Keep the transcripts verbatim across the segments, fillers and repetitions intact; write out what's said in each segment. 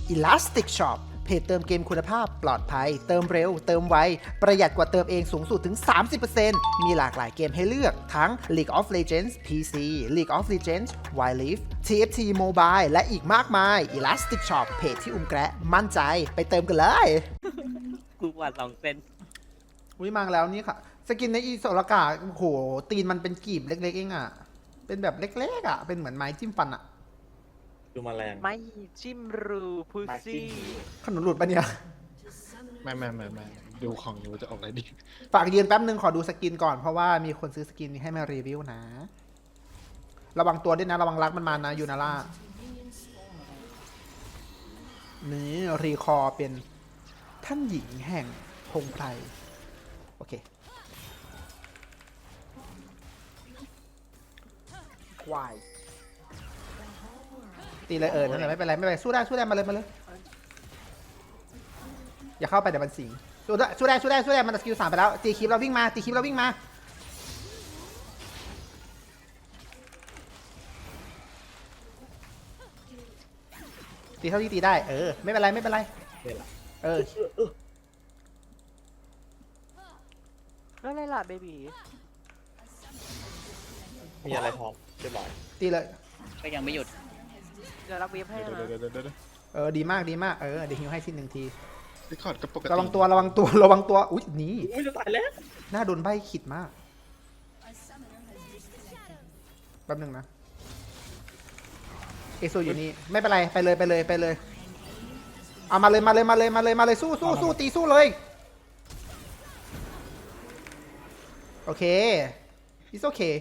Elastic Shop เพจเติมเกมคุณภาพปลอดภัยเติมเร็วเติมไวประหยัดกว่าเติมเองสูงสุดถึง สามสิบเปอร์เซ็นต์ มีหลากหลายเกมให้เลือกทั้ง League of Legends พี ซี League of Legends Wild Rift ที เอฟ ที Mobile และอีกมากมาย Elastic Shop เพจที่อุ้มแกะมั่นใจไปเติมกันเลยกูกว่าสองเซนอุ้ยมาแล้วนี่ค่ะ สกินในอีโซลากาโอ้โหตีนมันเป็นกีบเล็กๆเองอ่ะ เป็นแบบเล็กๆอ่ะ เป็นเหมือนไม้จิ้มฟันอ่ะดูมาแรงไม่จิ้มรูพุซี่ขนมหลุดปะเนี่ยไม่ไม่ไม่ไม่ดูของอยู่จะออกอะไรดีฝากยืนแป๊บนึงขอดูสกินก่อนเพราะว่ามีคนซื้อสกินนี้ให้มารีวิวนะ ระวังตัวด้วยนะ ระวังรักมันมานะยูนาร่านี่รีคอร์เป็นท่านหญิงแห่งพงไพรโอเคควายตีเลยเออนั่นแหละไม่เป็นไรไม่เป็นไรสู้ได้สู้ได้มาเลยมาเลยอย่าเข้าไปเดี๋ยวมันสิงสู้ได้สู้ได้สู้ได้สู้ได้มันสกิลสามไปแล้วตีคลิปเราวิ่งมาตีคลิปเราวิ่งมาตีเท่าที่ตีได้เออไม่เป็นไรไม่เป็นไรเนี่ยแหละเออแล้วอะไรล่ะเบบีมีอะไรพร้อมเรียบร้อยตีเลยก็ยังไม่หยุดเดี๋ยวรับเวฟให้เดี๋ยวนะเดี๋ยวเดี๋ยวเดี๋ยวเออดีมากดีมากเออเดี๋ยวฮิวให้ทีหนึ่งทีรีคอร์ดก็ปกติระวังตัวระวังตัวระวังตัวอุ๊ยหนี่อุ้ยจะตายแล้วหน้าโดนใบขิดมากแป๊บหนึงนะเอซูอยู่นี่ไม่เป็นไรไปเลยไปเลยไปเลยเอามาเลยมาเลยมาเลยมาเลยมาเลยสู้สู้สู้ตีสู้เลยโอเค it's okay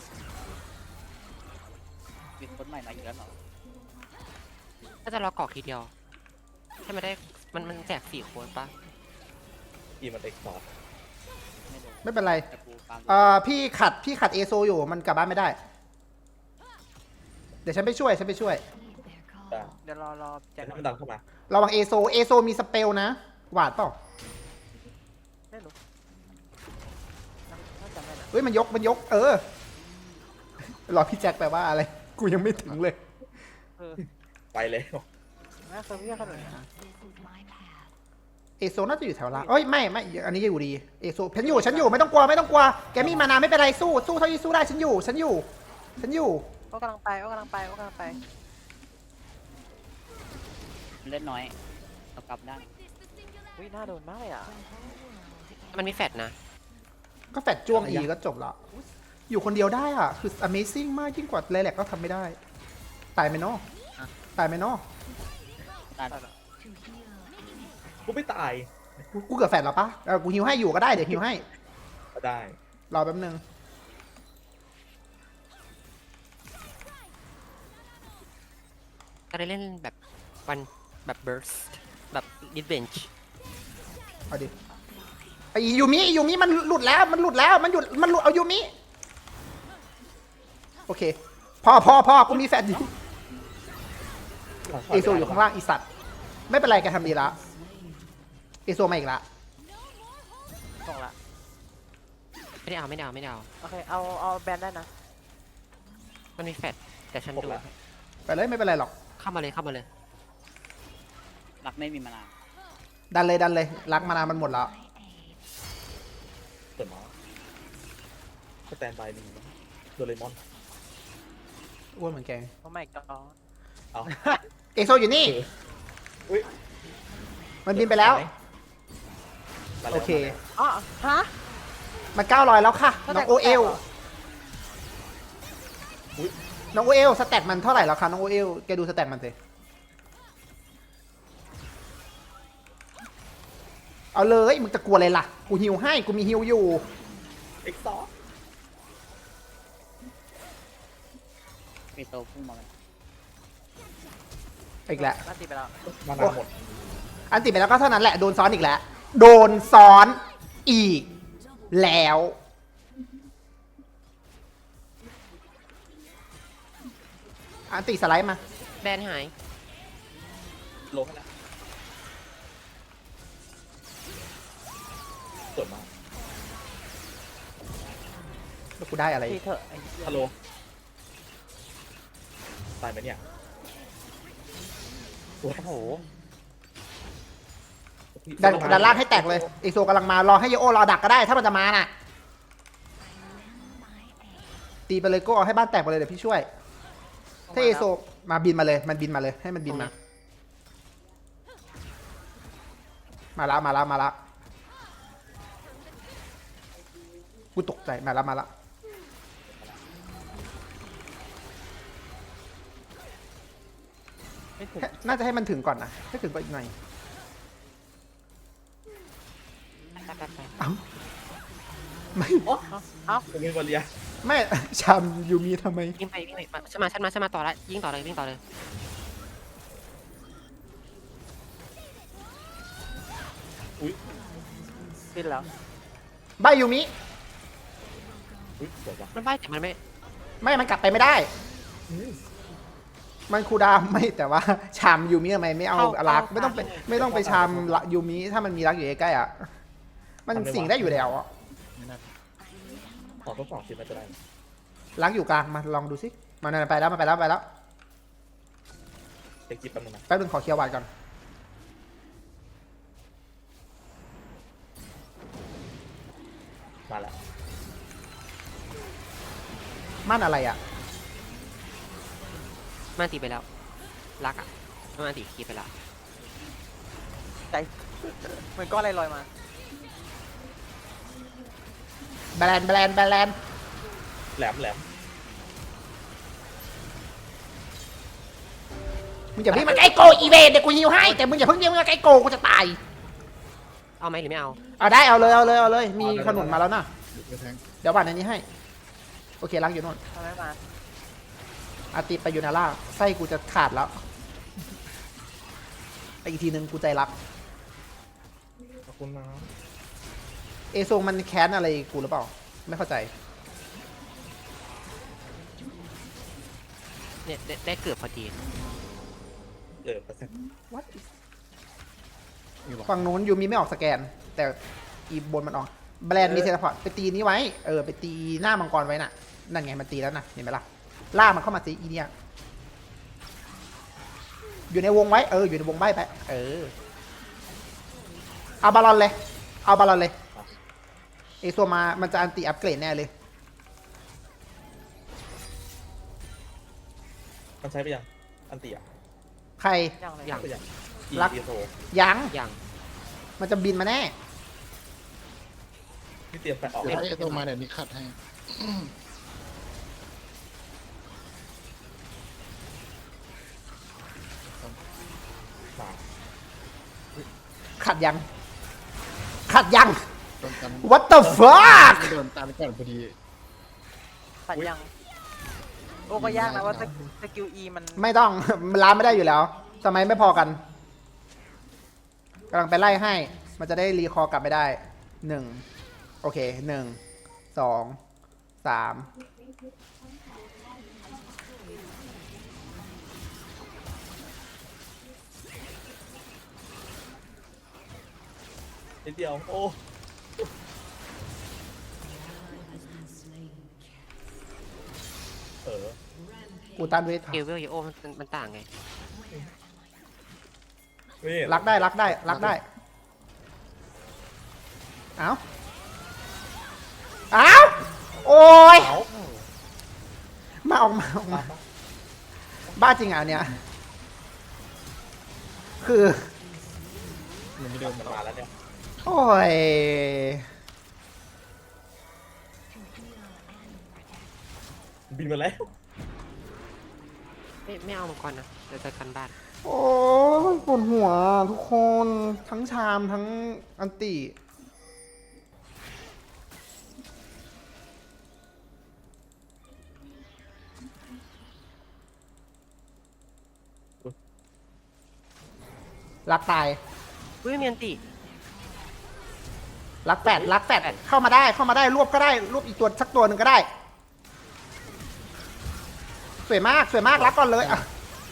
มีคนใหม่มาอีกแล้วเหรอถ้าจะรอกรอกทีเดียวให้มันได้มันมันแจกสี่โค้ดปะอีมันเอ็กซ์พอร์ตไม่รู้ไม่เป็นไรแต่กูฟังเอ่อพี่ขัดพี่ขัดเอโซอยู่มันกลับบ้านไม่ได้เดี๋ยวฉันไปช่วยฉันไปช่วยได้เดี๋ยวรอรอแจ็คให้มันดันเข้ามาระวังเอโซเอโซมีสเปลนะหวาดเปล่าไม่รู้น่าจะไม่นะเฮ้ยมันยกมันยกเออรอพี่แจ็คแปลว่าอะไรกูยังไม่ถึงเลยเออไปเลยน่าเซอร์เวียขนาดนี้เอโซน่าจะอยู่แถวล่างเอ้ยไม่ไม่อันนี้อยู่ดีเอโซฉันอยู่ฉันอยู่ไม่ต้องกลัวไม่ต้องกลัวแกมีมานาไม่เป็นไรสู้สู้เท่าที่สู้ได้ฉันอยู่ฉันอยู่ฉันอยู่ก็กำลังไปก็กำลังไปก็กำลังไปเล่นน้อยเอากลับได้อุ้ยน่าโดนมากเลยอ่ะมันมีแฟดนะก็แฟดจ้วงอีก็จบละอยู่คนเดียวได้อ่ะคือ amazing มากยิ่งกว่าเลแลกก็ทำไม่ได้ตายไหมเนาะตายไหมเนาะได้แล้วกูไม่ตายกูกูเกิดแฟดแล้วปะเออกูฮิวให้อยู่ก็ได้เดี๋ยวฮิวให้ก็ได้รอแป๊บนึงก็ได้เล่นแบบวันแบบเบิร์สแบบดิสเบนช์เอาดิไอยูมิยูมิมันหลุดแล้วมันหลุดแล้วมันหยุดมันหลุดเอายูมิโอเคพอพอพอกูมีแฟดอยู่เอโซอยู่ข้างล่างอีสัตว์ไม่เป็นไรแกทำดีละเอโซมาอีกละส่งละไม่ได้เอาไม่ได้เอาไม่ได้เอาโอเคเอาเอาแบนได้นะมันมีแฟดแต่ฉันดูไปเลยไม่เป็นไรหรอกเข้ามาเลยเข้ามาเลยรักไม่มีมานานดันเลยดันเลยรักมานานมันหมดแล้วเปิดมาสแตนบายดีนะโดเรมอนอ้วนเหมือนแกโอ้ไม่ก็เอาเอโซอยู่นี่อุ้ยมันบินไปแล้วมาแล้วโอเคอ๋อฮะมันเก้าร้อยแล้วค่ะน้องโอเอลอุ้ยน้องโอเอลสแตทมันเท่าไหร่แล้วคะน้องโอเอลแกดูสแตทมันสิเอาเลยมึงจะกลัวอะไรล่ะกูฮิวให้กูมีฮิวอยู่เอ็กซ์ซอร์มีโตพุ่งมาเลยอีกแล้วน่าตีไปแล้วมานาหมดอันติดไปแล้วก็เท่านั้นแหละโดนซ้อนอีกแล้วโดนซ้อนอีกแล้วอันติสไลด์มาแบนหายลงให้แล้วสวยมากแล้วกูได้อะไรตีเถอะไอ้เหี้ยฮัลโหลตายไหมเนี่ยโอ้โหดันดันล่างให้แตกเลยเอโซกำลังมารอให้โยโอรอดักก็ได้ถ้ามันจะมาน่ะตีไปเลยโก็เอาให้บ้านแตกไปเลยเดี๋ยวพี่ช่วยถ้าเอโซมาบินมาเลยมันบินมาเลยให้มันบินมามาแล้วมาแล้วมาแล้วกูตกใจมาแล้วมาแล้วไม่ถึงน่าจะให้มันถึงก่อนนะให้ถึงก่อนอีกหน่อยไปไปไปเอ้าไม่โอ้เอ้าผมมีบอลเลียไม่ชามยูมีทำไมวิ่งไปวิ่งไปมาฉันมาฉันมาฉันมาต่อละยิงต่อเลยวิ่งต่อเลยอุ้ยขึ้นแล้วใบยูมิอุ้ยสวยจังมันไปแต่มันไม่ไม่มันกลับไปไม่ได้ มันคูลดาวน์ไม่แต่ว่าชามยูมิทำไมไม่เอารักไม่ต้องไปไม่ต้องไปชามยูมิถ้ามันมีรักอยู่ใกล้ๆอ่ะมันสิ่งได้อยู่แล้วอ่ะไม่น่าขอทดสอบสิมันจะได้รักอยู่กลางมาลองดูสิมันไปแล้วมันไปแล้วไปแล้วเช็คจิบแป๊บนึงนะแป๊บนึงขอเคลียร์วาดก่อนมาแล้วมั่นอะไรอ่ะมันตีไปแล้วรักอ่ะมันตีคีไปแล้วใจเหมือนก้อนอะไรลอยมาแบรนด์แบรนด์แบรนด์แหลมแหลมมึงอย่าเพิ่งมาใกล้โกอีเวนเดี๋ยวกูฮิวให้แต่มึงอย่าเพิ่งเรียกมาใกล้โกกูจะตายเอาไหมหรือไม่เอาเอาได้เอาเลยเอาเลยเอาเลยมีขนุนมาแล้วนะหยุดไปแทงเดี๋ยวบัตรอันนี้ให้โอเครักอยู่โน่นทำไมมาอาติไปยูนาร่าไส้กูจะขาดแล้วไปอีกทีนึงกูใจรักขอบคุณนะเอโซมันแค้นอะไรกูหรือเปล่าไม่เข้าใจเนี่ยได้ได้เกือบพอดีเออเปอร์เซ็นต์ What is มีบอกฝั่งนู้นยูมีไม่ออกสแกน แต่อีบนมันออกแบรนด์มีเทเลพอร์ตไปตีนี้ไว้เออไปตีหน้ามังกรไว้น่ะนั่นไงมันตีแล้วนะเห็นไหมล่ะล่ามันเข้ามาตีอีเนี่ยอยู่ในวงไว้เอออยู่ในวงใบไปเออเอาบาลอนเลยเอาบาลอนเลยเอโซมามันจะอันติอัปเกรดแน่เลยมันใช้ไปยังอันเตียใครยังเลยอย่างไปยังรักอีโซยังอย่างมันจะบินมาแน่ที่เตรียมไปออกเดี๋ยวให้ไอ้ตัวมาเดี๋ยวนี้ขัดให้มาขัดยัง ขัดยังโดนตัน What the fuck โดนตันก่อนพอดีตัดยังโอ้ก็ยากนะว่าสกิลอีมันไม่ต้อง มันล้าไม่ได้อยู่แล้วทำไมไม่พอกันกำลังไปไล่ให้ มันจะได้รีคอร์กลับไม่ได้หนึ่งโอเคหนึ่งสองสามนิดเดียวโอ้เออกูตันเวทเอลเวลเยโอมันมันต่างไงนี่รักได้รักได้รักได้ เอ้า เอ้า โอ้ยเอามาออกมาออกมา บ้าจริงอ่ะอันเนี่ย คือมันไม่เดินมันมามาแล้วเนี่ยโอ้ยบินมาแล้วไม่ไม่เอามังกรนะเดี๋ยวจะกันบ้านโอ้ยปวดหัวทุกคน ทั้งชามทั้งอันติรักตายอุ้ยมีอันตีรักแปดรักแปดเข้ามาได้เข้ามาได้รวบก็ได้รวบอีกตัวสักตัวหนึ่งก็ได้ สวยมากสวยมากรักก่อนเลยอ่ะ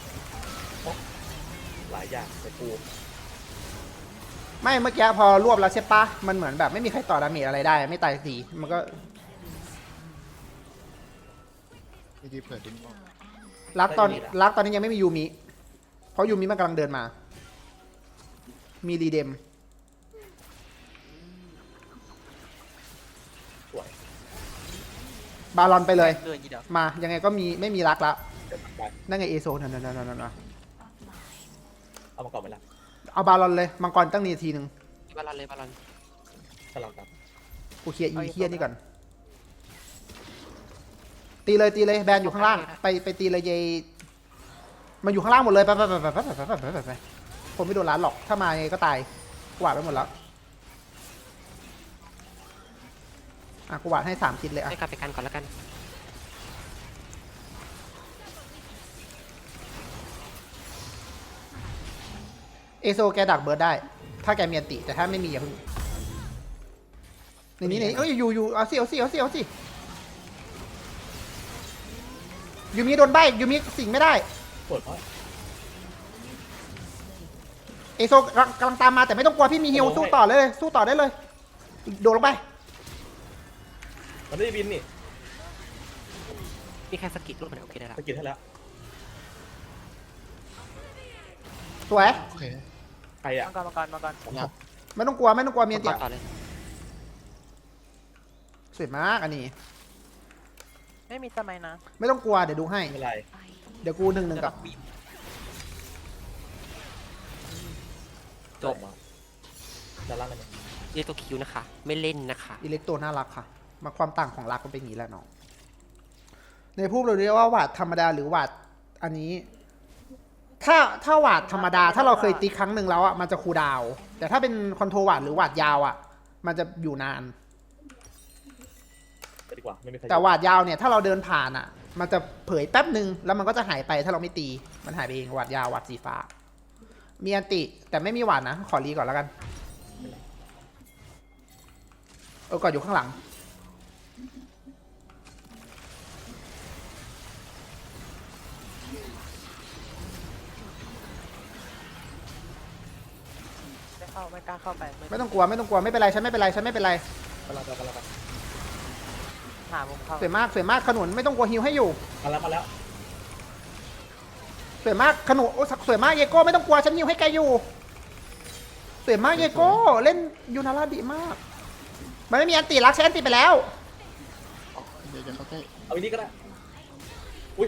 หลายอย่างแต่กูไม่เมื่อกี้พอรวบแล้วใช่ปะมันเหมือนแบบไม่มีใครต่อดาเมจอะไรได้ ไม่ตายสีมันก็ไม่ดีเผื่อดิ้นออกรักตอนรักตอนนี้ยังไม่มียูมิเพราะยูมิมันกำลังเดินมา มีรีเดมบาลอนไปเลยเกินยี่เดียวมายังไงก็มีไม่มีรักละเดี๋ยวไปนั่นไงเอโซนั่นนั่นนั่นนั่นนั่นเอามาก่อนไหมล่ะเอาบาลอนเลยมังกรตั้งนีทีหนึ่งบาลอนเลยบาลอนสลับกันกูเคลียร์อีเคียนี่ก่อนตีเลยตีเลยแบนอยู่ข้างล่างไปไปตีเลยเยมันอยู่ข้างล่างหมดเลยไปไปไปไปไปไปไปไปไปคนไม่โดนร้านหรอกถ้ามายังไงก็ตายกวาดไปหมดแล้วอ่ะกูวาดให้สามคิดเลยอ่ะให้กลับไปกันก่อนแล้วกันเอโซแกดักเบิร์ดได้ ถ้าแกมีอันติแต่ถ้าไม่มีอย่าเพิ่งในนี้ในนี้เอ้ยอยู่อยู่เอาสิเอาสิเอาสิเอาสิยูมิโดนใบยูมิสิงไม่ได้ปวดเพราะเอโซกำลังกำลังตามมาแต่ไม่ต้องกลัวพี่มีฮิวสู้ต่อเลย สู้ต่อได้เลยโดดลงไปมันไม่ได้บินนี่มีแค่สกิลรูปมันโอเคได้ละสกิลให้แล้วสวยโอเคใครอ่ะมังกรมังกรมังกรอยากไม่ต้องกลัวไม่ต้องกลัวมีอันติต่อเลยสวยมากอันนี้ไม่มีสมัยนะไม่ต้องกลัวเดี๋ยวดูให้ไม่เป็นไรเดี๋ยวกูหนึ่งหนึ่งกับจบมาจะล่างกันไหมเรียกตัวคิวนะคะ ไม่เล่นนะคะอิเล็กโตน่ารักค่ะ มาความต่างของรักมันเป็นอย่างนี้แหละน้องในพูดเราเรียกว่าหวาดธรรมดาหรือหวาดอันนี้ ถ้าถ้าหวาดธรรมดา ถ้าเราเคยตีครั้งหนึ่งแล้วอ่ะมันจะคูลดาวน์แต่ถ้าเป็นคอนโทรหวาดหรือหวาดยาวอ่ะ มันจะอยู่นานไปดีกว่าไม่มีใครแต่หวาดยาวเนี่ยถ้าเราเดินผ่านอ่ะ มันจะเผยแป๊บหนึ่งแล้วมันก็จะหายไปถ้าเราไม่ตี มันหายไปเองหวาดยาวหวาดสีฟ้า มีอันติแต่ไม่มีหวาดนะ ขอรีก่อนแล้วกัน เออก่อนอยู่ข้างหลังไม่เข้าไม่กล้าเข้าไปไม่ต้องกลัวไม่ต้องกลัวไม่เป็นไรฉันไม่เป็นไรฉันไม่เป็นไรกำลังไปกำลังไปหามุมเข้าสวยมากสวยมากขนุนไม่ต้องกลัวฮิวให้อยู่มาแล้วมาแล้วสวยมากขนุนโอ้สวยมากเยโก้ไม่ต้องกลัวฉันฮิวให้แกอยู่สวยมากเยโก้เล่นยูนาราดีมาก มันไม่มีอันติรักใช้อันติไปแล้วเดี๋ยวจะเข้าใกล้เอาอีกนี้ก็ได้อุ้ย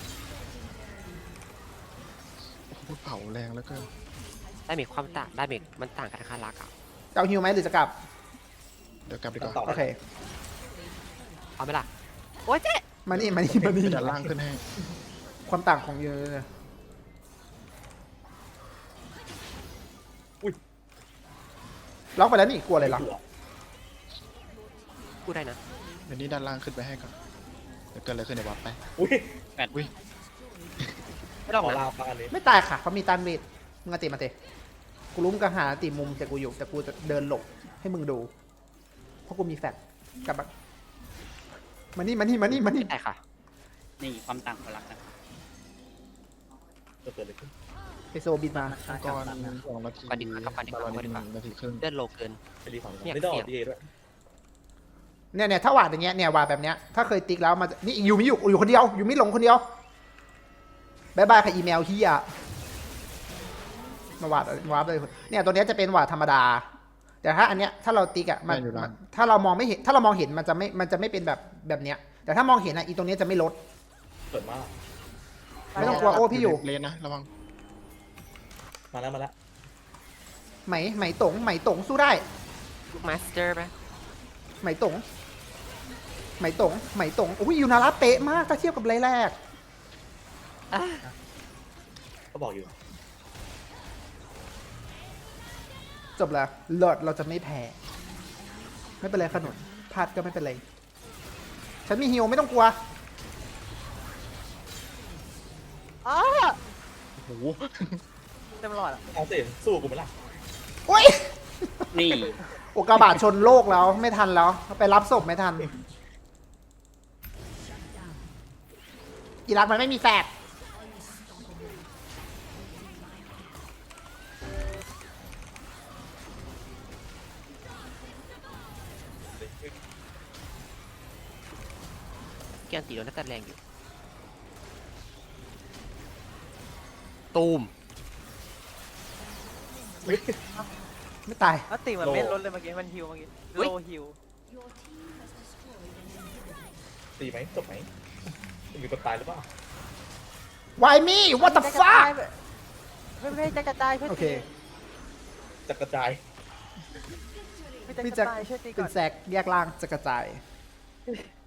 พูดเผาแรงแล้วก็ได้มีความต่างได้มีมันต่างกันนะคะรักอ่ะจะเอาฮิวไหมหรือจะกลับเดี๋ยวกลับดีกต่อว่าโอเคเอาไหมล่ะโอ้ยเจ๊มานี่มานี่มานี่จะล่างขึ้นให้ความต่างของยูเนี่ยล็อกไปแล้วนี่กลัวอะไรล่ะพูดได้นะเดี๋ยวนี้ด้านล่างขึ้นไปให้ก่อนเดี๋ยวเกิดอะไรขึ้นเดี๋ยววัดไปอุ้ยอุ้ยไม่ต้องขอนะลาฟังอันนี้ไม่ตายค่ะเขามีตันเวทมึงอาติมาเตะกูรู้มึงก็หาติมุมแต่กูอยู่แต่กูจะเดินหลบให้มึงดู เพราะกูมีแฟลชกลับมามานี่มานี่มานี่มานี่ไม่ได้ค่ะนี่ความต่างของรักนะจะเกิดอะไรขึ้นไอโซบินมาก่อนสองนาทีก่อนดีกว่าครับก่อนดีกว่าบาลอนก่อนดีกว่าหนึ่งนาทีครึ่งเลื่อนโลเกินไปรีฝั่งเนี่ยไม่ต้องเสีอย อกบดีเอด้วยเนี่ยเนี่ยถ้าหวาดอย่างเงี้ยเนี่ยวาดแบบเนี้ยถ้าเคยติ๊กแล้วมันจะนี่อยู่มิอยู่อยู่คนเดียวอยู่มิหลงคนเดียวบายบายค่ะอีเมลเฮียมาหวาดวาดเลยเนี่ยตัวเนี้ยจะเป็นหวาดธรรมดา แต่ถ้าอันเนี้ยถ้าเราติ๊กอ่ะมันมันถ้าเรามองไม่เห็นถ้าเรามองเห็นมันจะไม่มันจะไม่เป็นแบบแบบเนี้ย แต่ถ้ามองเห็นอ่ะอีตรงเนี้ยจะไม่ลดเปิดมากไม่ต้องกลัวโอ้พี่อยู่เลนนะระวังมาแล้วมาแล้วไหมไหมตงไหมตงสู้ได้ลูกมาสเตอร์ไหมไหมตงไหมตงไหมตงอุ้ยยูนาระเป๊ะมากถ้าเทียบกับไรแรกอ่ะก็บอกอยู่จบแล้วเลิศเราจะไม่แพ้ไม่เป็นไรขนุนพลาดก็ไม่เป็นไรฉันมีฮิวไม่ต้องกลัวอ้าโอ้โหเต็มหลอดอ่ะเอาสิสู้กูไหมล่ะโอ้ยนี่โอกาบาตชนโลกแล้วไม่ทันแล้วไปรับศพไม่ทันอีรักมันไม่มีแฟกแกนตีโดนน่าจะแรงอยู่ตูมอุ๊ยไม่ตายแล้วตีมันไม่ลดเลยเมื่อกี้มันฮิวเมื่อกี้โลฮิวตตีไหมจบไหมมีคนตายหรือเปล่า Why me What the fuck ไม่ไม่จะกระจายช่วยโอเคตีจะกระจายไม่จะกพี่ระจะจายช่วยตีก่เป็อน นแซกแยกล่างจะกระจายเ